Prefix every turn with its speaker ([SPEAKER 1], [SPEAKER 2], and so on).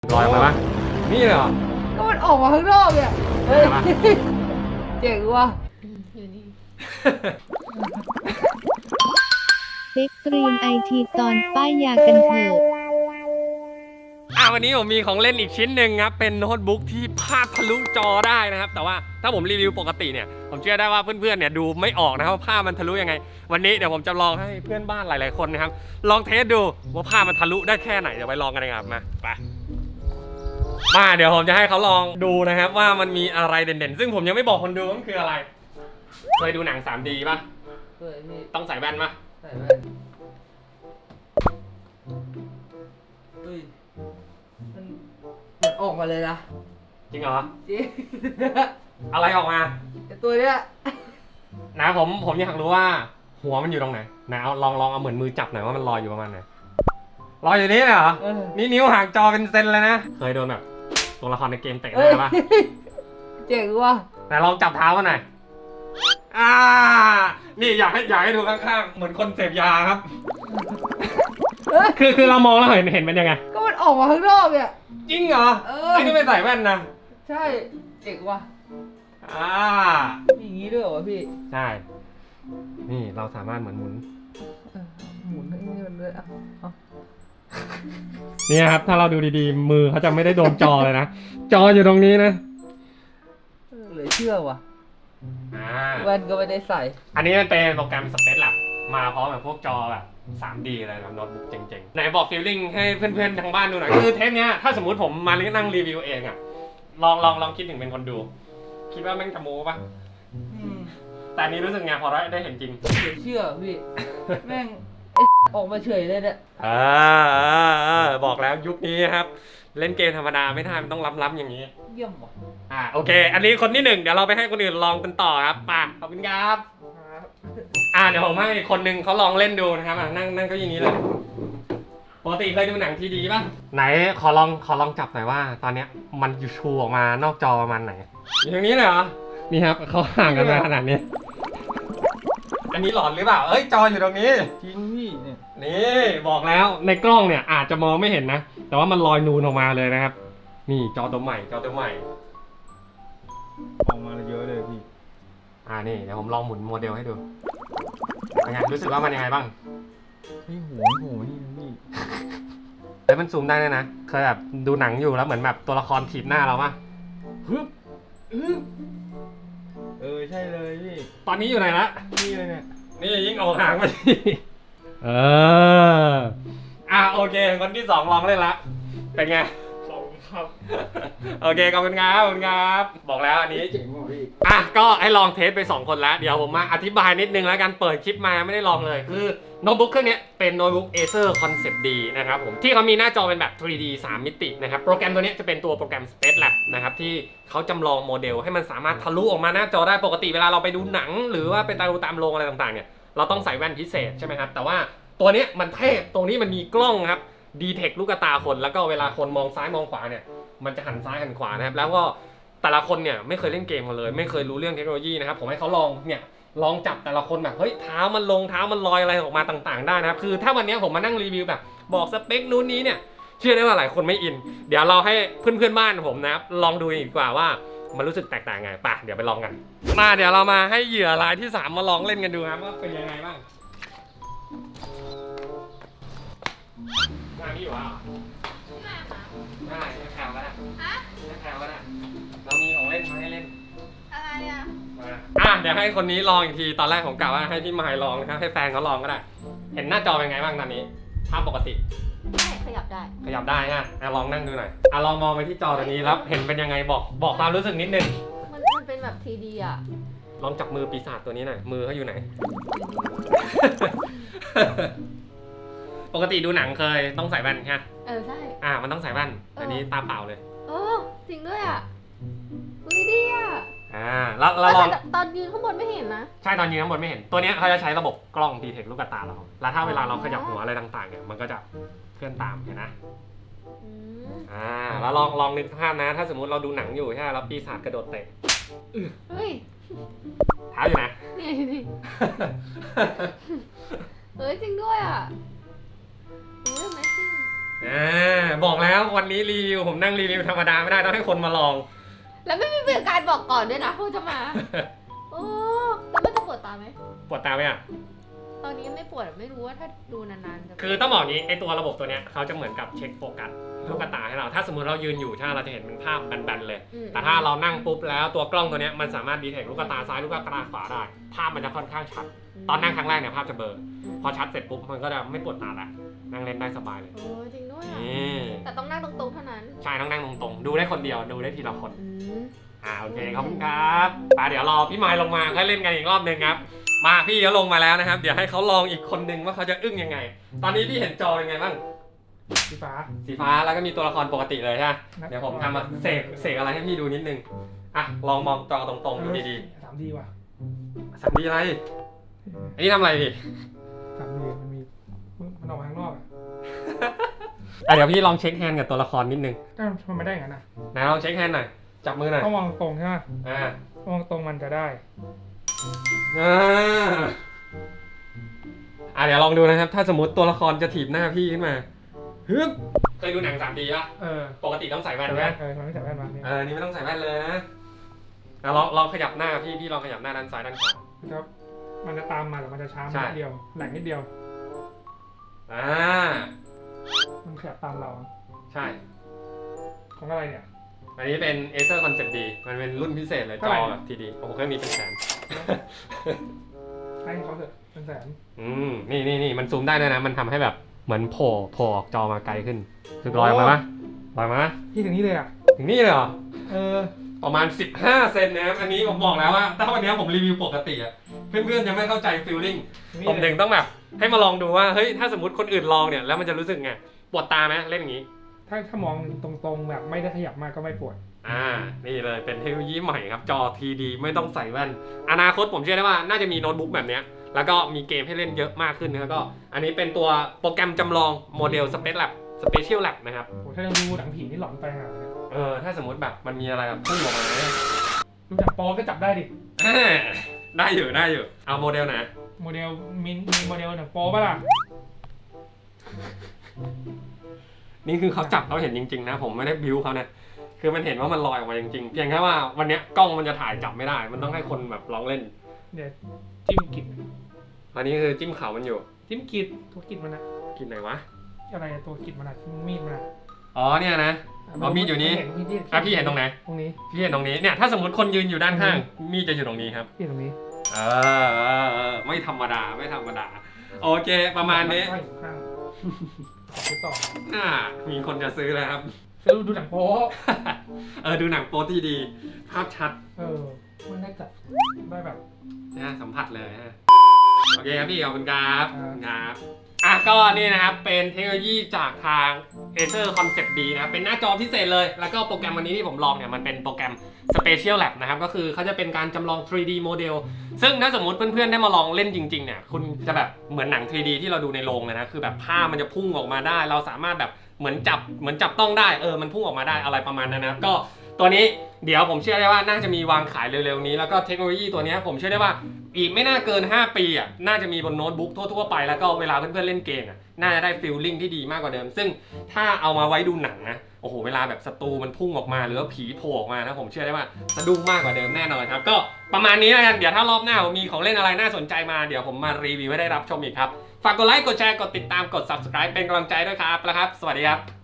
[SPEAKER 1] ลอยออกมาปะนี่เลยเหรอ
[SPEAKER 2] ก็มันออกมาข้างนอกเนี่ยเฮ้ยเจ๋งว่ะ
[SPEAKER 3] อยู่นี่
[SPEAKER 4] เซ็กตรีมไอทีตอนป้ายยากันเถอะ
[SPEAKER 1] วันนี้ผมมีของเล่นอีกชิ้นหนึ่งครับเป็นโน้ตบุ๊กที่ภาพทะลุจอได้นะครับแต่ว่าถ้าผมรีวิวปกติเนี่ยผมเชื่อได้ว่าเพื่อนๆเนี่ยดูไม่ออกนะครับว่าภาพมันทะลุยังไงวันนี้เดี๋ยวผมจะลองให้เพื่อนบ้านหลายๆคนนะครับลองเทสดูว่าภาพมันทะลุได้แค่ไหนเดี๋ยวไปลองกันนะครับมาเดี๋ยวผมจะให้เขาลองดูนะครับว่ามันมีอะไรเด่นๆซึ่งผมยังไม่บอกคนดูว่ามันคืออะไรเคยดูหนัง 3D ป่ะ
[SPEAKER 2] เคยพี่
[SPEAKER 1] ต้องใส่แว่นป่ะ
[SPEAKER 2] ใส่แว่นเฮ้ยมันออกมาเลยนะ
[SPEAKER 1] จริงเหรอ
[SPEAKER 2] จริง
[SPEAKER 1] อะไรออกมา
[SPEAKER 2] ตัวเนี้ย
[SPEAKER 1] นะผมอยากรู้ว่าหัวมันอยู่ตรงไหนนะเอาลองเอาเหมือนมือจับหน่อยว่ามันลอยอยู่ประมาณไหนลอยอยู่นี่เลยเหรอนี่นิ้วห่างจอเป็นเซนเลยนะเคยโดนแบบตัวละครในเกมเตะหน้าป่ะ
[SPEAKER 2] เจ๋งว่ะ
[SPEAKER 1] แต่ลองจับเท้ามันหน่อยนี่อยากให้ดูข้างๆเหมือนคนเสพยาครับคือเรามองแล้วเห็นมันยังไง
[SPEAKER 2] ก็มันออกมาข้างนอกเนี่ย
[SPEAKER 1] จริงเหรอไอ้นี่ไม่ใส่แว่นนะ
[SPEAKER 2] ใช่เจ๋งว่ะมีอย่างงี้ด้วยเหรอพี่
[SPEAKER 1] ใช่นี่เราสามารถเหมือนหมุน
[SPEAKER 2] ให้มันด้วย
[SPEAKER 1] เนี่ยครับถ้าเราดูดีๆมือเขาจะไม่ได้โดนจอเลยนะจออยู่ตรงนี้นะ
[SPEAKER 2] เหลือเชื่อว่ะแว่นก็ไม่ได้ใส่
[SPEAKER 1] อันนี้มันเป็นโปรแกรม Space Lab มาพร้อมกับพวกจอแบบ 3D อะไรแบบโน้ตบุ๊กเจ๋งๆไหนบอกฟีลลิ่งให้เพื่อนๆทางบ้านดูหน่อยคือเทปเนี้ยถ้าสมมติผมมานั่งรีวิวเองอะลองคิดถึงเป็นคนดูคิดว่าแม่งจะโม้ปะแต่นี้รู้สึกไงพอได้เห็นจริง
[SPEAKER 2] เหลือเชื่อพี่แม่งออกมาเฉยเลยเนี่ย
[SPEAKER 1] บอกแล้วยุคนี้ครับเล่นเกมธรรมดาไม่ได้มันต้องล้ำๆอย่างนี้
[SPEAKER 2] เยี่ยมว่ะ
[SPEAKER 1] โอเคอันนี้คนที่1เดี๋ยวเราไปให้คนอื่นลองกันต่อครับป่ะขอบคุณครับเดี๋ยวผมให้คนนึงเขาลองเล่นดูนะครับนั่งก็อย่างนี้เลยปกติเคยดูหนังทีดีป่ะไหนขอลองจับหน่อยว่าตอนเนี้ยมันอยู่ชูออกมานอกจอประมาณไหนอย่างนี้เลยเหรอนี่ครับเขาห่างกันมาขนาดนี้อันนี้หลอนหรือเปล่าจออยู่ตรงนี้
[SPEAKER 2] จริงพี่เนี่ย
[SPEAKER 1] นี่บอกแล้วในกล้องเนี่ยอาจจะมองไม่เห็นนะแต่ว่ามันลอยนูนออกมาเลยนะครับนี่จอตัวใหม่
[SPEAKER 2] ออกมาเยอะเลยพี่
[SPEAKER 1] นี่เดี๋ยวผมลองหมุนโมเดลให้ดูเป็นไงรู้สึกว่ามันยังไงบ้าง
[SPEAKER 2] นี่หัวนี่
[SPEAKER 1] พี่มันซูมได้เลยนะเคยแบบดูหนังอยู่แล้วเหมือนแบบตัวละครถีบหน้าเราป่ะ
[SPEAKER 2] ใช่เลยพี่
[SPEAKER 1] ตอนนี้อยู่ไหนละ
[SPEAKER 2] นี่เลยเนี่ย
[SPEAKER 1] นี่ยิ่งออกห่างไปโอเคคนที่2ลองเล่นละเป็นไง
[SPEAKER 2] ครับ
[SPEAKER 1] โอเคขอบคุณครับบอกแล้วอันนี้
[SPEAKER 2] เจ๋งว่ะพี่
[SPEAKER 1] ก็ให้ลองเทสไป2คนแล้วเดี๋ยวผมมาอธิบายนิดนึงแล้วกันเปิดคลิปมาไม่ได้ลองเลยคือโน้ตบุ๊กเครื่องนี้เป็นโน้ตบุ๊ก Acer Concept D นะครับผมที่เขามีหน้าจอเป็นแบบ 3D 3 มิตินะครับโปรแกรมตัวนี้จะเป็นตัวโปรแกรม Space Lab นะครับที่เขาจำลองโมเดลให้มันสามารถทะลุออกมาหน้าจอได้ปกติเวลาเราไปดูหนังหรือว่าไปดูตามโรงอะไรต่างๆเนี่ยเราต้องใส่แว่นพิเศษใช่ไหมครับแต่ว่าตัวนี้มันเทพตรงนี้มันมีกล้องครับดีเทคลูกตาคนแล้วก็เวลาคนมองซ้ายมองขวาเนี่ยมันจะหันซ้ายหันขวานะครับแล้วก็แต่ละคนเนี่ยไม่เคยเล่นเกมกันเลยไม่เคยรู้เรื่องเทคโนโลยีนะครับผมให้เขาลองจับแต่ละคนแบบเฮ้ยเท้ามันลงเท้ามันลอยอะไรออกมาต่างๆได้นะครับคือถ้าวันนี้ผมมานั่งรีวิวแบบบอกสเปคนู้นนี้เนี่ยเชื่อได้ว่าหลายคนไม่อินเดี๋ยวเราให้เพื่อนๆบ้านผมนะครับลองดูดีกว่าว่ามันรู้สึกแตกต่างไงป่ะเดี๋ยวไปลองกันเดี๋ยวเรามาให้เหยื่อรายที่3มาลองเล่นกันดูครับว่าเป็นยังไงบ้างนี่อยู่อ่ะได้แถวก็ได้แถวก็ได้เรามีของเล่นมาให้เล่น
[SPEAKER 3] อะไร
[SPEAKER 1] เดี๋ยวให้คนนี้ลองอีกทีตอนแรกผมกะว่าให้พี่มายลองนะครับให้แฟนเขาลองก็ได้เห็นหน้าจอเป็นไงบ้างตอนนี้ภาพปกติ
[SPEAKER 3] ขยับ
[SPEAKER 1] ได้นะลองนั่งดูหน่อยลองมองไปที่จอตัวนี้แล้วเห็นเป็นยังไงบอกความรู้สึกนิดนึง
[SPEAKER 3] มันเป็นแบบ 3D อ่ะ
[SPEAKER 1] ลองจับมือปีศาจตัวนี้หน่อยมือเขาอยู่ไหน ปกติดูหนังเคยต้องใส่แว่นใช่ไหม
[SPEAKER 3] ใช่
[SPEAKER 1] มันต้องใส่แว่นอันนี้ตาเปล่าเลย
[SPEAKER 3] จริงด้วยอ่ะดีอ่ะ
[SPEAKER 1] แล้วลอง
[SPEAKER 3] ตอนยืนข้างบนไม่เห็นนะ
[SPEAKER 1] ใช่ตอนยืนข้างบนไม่เห็นตัวนี้เขาจะใช้ระบบกล้องดีเทคลูกตาเราแล้วถ้าเวลาเราขยับหัวอะไรต่างๆเนี่ยมันก็จะเคลื่อนตามเห็นนะแล้วลองนึกภาพนะถ้าสมมุติเราดูหนังอยู่ใช่ไหมแล้วปีศาจกระโดดเตะ
[SPEAKER 3] เฮ้ย
[SPEAKER 1] เท้าอยู่นะ
[SPEAKER 3] นี่จริงด้วยอ่ะAmazing
[SPEAKER 1] บอกแล้ววันนี้รีวิวผมนั่งรีวิวธรรมดาไม่ได้ต้องให้คนมาลอง
[SPEAKER 3] แล้วไม่มีการบอกก่อนด้วยนะว่าจะมา โอ้แล้วมันจะปวดตาไหม
[SPEAKER 1] ปวดตาไหมอ่ะ
[SPEAKER 3] ตอนนี้ไม่ปวดไม่รู้ว่าถ้าดูนานๆจะ
[SPEAKER 1] คือต้องบอกอย่างนี้ไอตัวระบบตัวเนี้ยเขาจะเหมือนกับเช็คโฟกัสลูกตาให้เราถ้าสมมติเรายืนอยู่ใช่ไหมเราจะเห็นเป็นภาพแบนๆเลย แต่ถ้าเรานั่งปุ๊บแล้วตัวกล้องตัวเนี้ยมันสามารถดีเทคลูกตาซ้ายลูกตาขวาได้ภาพมันจะค่อนข้างชัดตอนนั่งครั้งแรกเนี่ยภาพจะเบลอพอชัดเสร็จปุ๊บมันก็จะไม่ปวดตาละนั่งเล่นได้สบายเลย
[SPEAKER 3] โอ้จริงด้วยอ่ะ
[SPEAKER 1] นี่
[SPEAKER 3] แต่ต้องนั่งตรงๆเท่านั้น
[SPEAKER 1] ใช่ต้องนั่งตรงๆดูได้คนเดียวดูได้ทีละคน
[SPEAKER 3] อืม
[SPEAKER 1] โอเคขอบคุณครับเดี๋ยวรอพี่ไมค์ลงมาค่อยเล่นกันอีกรอบหนึ่งครับมาพี่เขาลงมาแล้วนะครับเดี๋ยวให้เขาลองอีกคนนึงว่าเขาจะอึ้งยังไง ตอนนี้พี่เห็นจอยังไงบ้าง
[SPEAKER 2] สีฟ้า
[SPEAKER 1] สีฟ้าแล้วก็มีตัวละครปกติเลยใช่ไหมเดี๋ยวผมทำมาเสกอะไรให้พี่ดูนิดนึงลองมองจอตรงๆดูดี
[SPEAKER 2] 3D ว่ะ
[SPEAKER 1] ๆ3D อะไรอันนี้ทำอะไรพี่
[SPEAKER 2] 3D มันออกมาข้างนอกอ่ะ
[SPEAKER 1] เดี๋ยวพี่ลองเช็คแฮนด์กับตัวละครนิดนึง
[SPEAKER 2] มันไม่ได้อย่างนั้นนะ
[SPEAKER 1] นะลองเช็คแฮนด์หน่อยจับมือหน่อย
[SPEAKER 2] ต้องมองตรงใช่ไหม
[SPEAKER 1] อ่า
[SPEAKER 2] มองตรงมันจะได้
[SPEAKER 1] เดี๋ยวลองดูนะครับถ้าสมมติตัวละครจะถีบหน้าพี่ขึ้นมาฮึบเคยดูหนัง 3D ป่ะปกติต้องใส่แว่น
[SPEAKER 2] ใส่
[SPEAKER 1] ไหม
[SPEAKER 2] แว่นไม่ใส่แว่นมาเนี่ย
[SPEAKER 1] นี่ไม่ต้องใส่แว่นเลยนะลองขยับหน้าพี่ลองขยับหน้าด้านซ้ายด้านขวา
[SPEAKER 2] ครับมันจะตามมาแต่มันจะช้า
[SPEAKER 1] ใช่
[SPEAKER 2] นิดเดียวแหลงนิดเดียว มันขยับตามเรา
[SPEAKER 1] ใช่
[SPEAKER 2] ของอะไรเนี่ย
[SPEAKER 1] อันนี้เป็น Acer Concept D มันเป็นรุ่นพิเศษเลยจ
[SPEAKER 2] เท่าไหร่
[SPEAKER 1] อแบบทีดีโอ้โหเครื่องนี้เป็นแสน
[SPEAKER 2] ให้เขาเถอะเป็นแสน
[SPEAKER 1] นี่มันซูมได้ด้วยนะ มันทำให้แบบเหมือนโผล่ออกจอมาไกลขึ้นคือลอยออกมาปะลอยมาปะ
[SPEAKER 2] ที่ถึงนี้เลยอ่ะ
[SPEAKER 1] ถึงนี่เลยเหรอ
[SPEAKER 2] ประ
[SPEAKER 1] มาณ15 เซนนะครับอันนี้ผมบอกแล้วว่าถ้าวันนี้ผมรีวิวปกติอะเพื่อนๆจะไม่เข้าใจฟีลลิ่งผมถึงต้องแบบให้มาลองดูว่าเฮ้ยถ้าสมมติคนอื่นลองเนี่ยแล้วมันจะรู้สึกไงปวดตาไหมเล่นอย่างนี้
[SPEAKER 2] ถ้ามองตรงๆแบบไม่ได้ขยับมากก็ไม่ปวด
[SPEAKER 1] นี่เลยเป็นเทคโนโลยีใหม่ครับจอ TD ไม่ต้องใส่แว่นอนาคตผมเชื่อได้ว่าน่าจะมีโน้ตบุ๊กแบบเนี้ยแล้วก็มีเกมให้เล่นเยอะมากขึ้นแล้วก็อันนี้เป็นตัวโปรแกรมจำลองโมเดล Special Lab นะครับ
[SPEAKER 2] ถ้ายังดูหนังผีนี่หลอนไปหาเลย
[SPEAKER 1] ถ้าสมมติแบบมันมีอะไรแบบพุ่งออกมาเนี่ย
[SPEAKER 2] ดูจากโปรก็จับได้ดิ
[SPEAKER 1] ได้อยู่เอาโมเดลไหน
[SPEAKER 2] โมเดลมีโมเดลหนังโปรป่ะล่ะ
[SPEAKER 1] นี่คือเขาจับเขาเห็นจริงๆนะผมไม่ได้บิวเขาเนี่ยคือมันเห็นว่ามันลอยออกมาจริงๆเพียงแค่ว่าวันเนี้ยกล้องมันจะถ่ายจับไม่ได้มันต้องให้คนแบบลองเล่น
[SPEAKER 2] เดี๋ยวจิ้มกิด
[SPEAKER 1] อันนี้คือจิ้มเขามันอยู่
[SPEAKER 2] จิ้มกิดตัวกิดมันอะ
[SPEAKER 1] กินไหนวะ
[SPEAKER 2] อะไรตัวกิดมันอะมีดมันอะ
[SPEAKER 1] อ๋อเนี่ยนะ มีดอยู่นี้พี่เห็นตรงไหน
[SPEAKER 2] ตรงนี้
[SPEAKER 1] พี่เห็นตรงนี้เนี่ยถ้าสมมติคนยืนอยู่ด้านข้างมีดจะอยู่ตรงนี้ครับ
[SPEAKER 2] ที่ตรงนี้
[SPEAKER 1] ไม่ธรรมดาโอเคประมาณนี้
[SPEAKER 2] ข้างไปต่อ
[SPEAKER 1] มีคนจะซื้อแล้วครับ
[SPEAKER 2] ซื้อดูหนังโป๊
[SPEAKER 1] ดูหนังโป๊ที่ดีภาพชัด
[SPEAKER 2] มันได้จับได้แบบ
[SPEAKER 1] สัมผัสเลยฮะโอเคครับพี่ขอบคุณครับ
[SPEAKER 2] ครับ
[SPEAKER 1] ก็นี่นะครับเป็นเทคโนโลยีจากทาง Acer Concept D นะครับเป็นหน้าจอพิเศษเลยแล้วก็โปรแกรมวันนี้ที่ผมลองเนี่ยมันเป็นโปรแกรม Special Lab นะครับก็คือเขาจะเป็นการจำลอง 3D โมเดลซึ่งถ้าสมมติเพื่อนๆได้มาลองเล่นจริงๆเนี่ยคุณจะแบบเหมือนหนัง 3D ที่เราดูในโรงเลยนะคือแบบภาพมันจะพุ่งออกมาได้เราสามารถแบบเหมือนจับต้องได้มันพุ่งออกมาได้อะไรประมาณนั้นนะครับก็ตัวนี้เดี๋ยวผมเชื่อได้ว่าน่าจะมีวางขายเร็วๆนี้แล้วก็เทคโนโลยีตัวนี้ผมเชื่อได้ว่าอีกไม่น่าเกิน5 ปีน่าจะมีบนโน้ตบุ๊กทั่วๆไปแล้วก็เวลาเพื่อนๆเล่นเกมน่าจะได้ฟีลลิ่งที่ดีมากกว่าเดิมซึ่งถ้าเอามาไว้ดูหนังนะโอ้โหเวลาแบบศัตรูมันพุ่งออกมาหรือว่าผีโผล่ออกมานะผมเชื่อได้ว่าสะดุ้งมากกว่าเดิมแน่นอนครับก็ประมาณนี้แล้วกันเดี๋ยวถ้ารอบหน้าผมมีของเล่นอะไรน่าสนใจมาเดี๋ยวผมมารีวิวให้ได้รับชมอีกครับฝากกดไลค์กดแชร์กดติดตามกด subscribe เป็นกำลังใจด้วยครับแล้วครับสวัสดีครับ